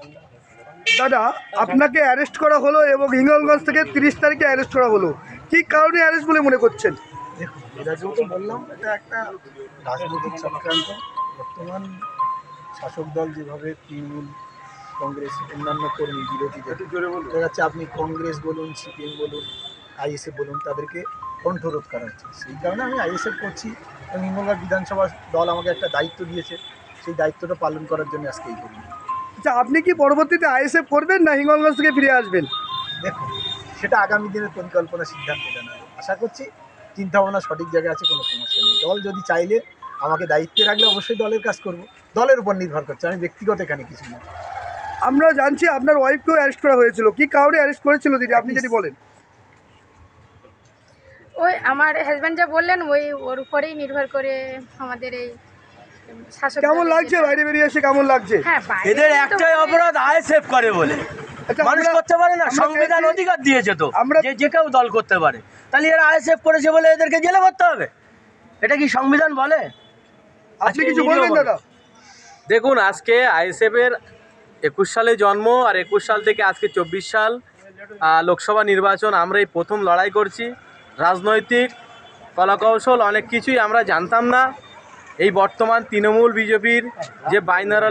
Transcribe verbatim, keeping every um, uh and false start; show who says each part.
Speaker 1: দাদা, আপনাকে অ্যারেস্ট করা হলো এবং হিঙ্গলগঞ্জ থেকে তিরিশ তারিখে অ্যারেস্ট করা হলো, কি কারণে অ্যারেস্ট বলে মনে করছেন?
Speaker 2: দেখুন, এরা যেহেতু বললাম এটা একটা রাজনৈতিক চক্রান্ত। বর্তমান শাসক দল যেভাবে তৃণমূল কংগ্রেস অন্যান্য কর্মী বিরোধীদের দেখা যাচ্ছে, আপনি কংগ্রেস বলুন, সিপিএম বলুন, আইএসএফ বলুন, তাদেরকে কণ্ঠরোধ করা হচ্ছে। সেই কারণে আমি আইএসএফ করছি এবং হিঙ্গলগঞ্জ বিধানসভা দল আমাকে একটা দায়িত্ব দিয়েছে, সেই দায়িত্বটা পালন করার জন্য আজকে এই করি।
Speaker 1: আচ্ছা, আপনি কি পরবর্তীতে আইএসএফ করবেন না হিঙ্গলগঞ্জ থেকে ফিরে আসবেন?
Speaker 2: দেখুন, সেটা আগামী দিনের পরিকল্পনা সিদ্ধান্ত জানাবে। আশা করছি চিন্তাভাবনা সঠিক জায়গায় আছে, কোনো সমস্যা নেই। দল যদি চাইলে আমাকে দায়িত্বে রাখলে অবশ্যই দলের কাজ করব, দলের উপর নির্ভর করছে, আমি ব্যক্তিগত এখানে কিছু না।
Speaker 1: আমরা জানছি আপনার ওয়াইফকেও অ্যারেস্ট করা হয়েছিল, কি কারণে অ্যারেস্ট করেছিল দিদি, আপনি যদি বলেন?
Speaker 3: ওই আমার হাজব্যান্ড যা বললেন ওই ওর উপরেই নির্ভর করে আমাদের এই শাসক
Speaker 1: কেমন
Speaker 3: দলের
Speaker 1: লাগছে
Speaker 3: যেটা-
Speaker 1: বাইরে বেরিয়ে এসে, কেমন লাগছে?
Speaker 3: হ্যাঁ, বাইরে
Speaker 4: এদের
Speaker 3: তো
Speaker 4: একটাই
Speaker 3: মানে-
Speaker 4: অপরাধ, আইএসএফ করে বলে।
Speaker 1: আচ্ছা,
Speaker 4: মানুষ
Speaker 1: আমরা-
Speaker 4: করতে পারে না,
Speaker 1: আমরা
Speaker 4: সংবিধান
Speaker 1: চাইছি-
Speaker 4: অধিকার দিয়েছে তো
Speaker 1: আমরা-
Speaker 4: যে যে কেউ দল করতে পারে। তাহলে এরা আইএসএফ করেছে বলে এদেরকে জেলে ভরতে হবে? এটা কি সংবিধান বলে?
Speaker 1: আপনি
Speaker 4: আজকে
Speaker 1: কিছু
Speaker 4: ভিডিও
Speaker 1: বলবেন
Speaker 4: বলো।
Speaker 1: দাদা?
Speaker 5: দেখুন, আজকে আইএসএফের একুশ সালে জন্ম, আর একুশ সাল থেকে আজকে চব্বিশ সাল আহ, লোকসভা নির্বাচন আমরা এই প্রথম লড়াই করছি। রাজনৈতিক কলাকৌশল অনেক কিছুই আমরা জানতাম না। এই বর্তমান তৃণমূল বিজেপির যে বাইনারা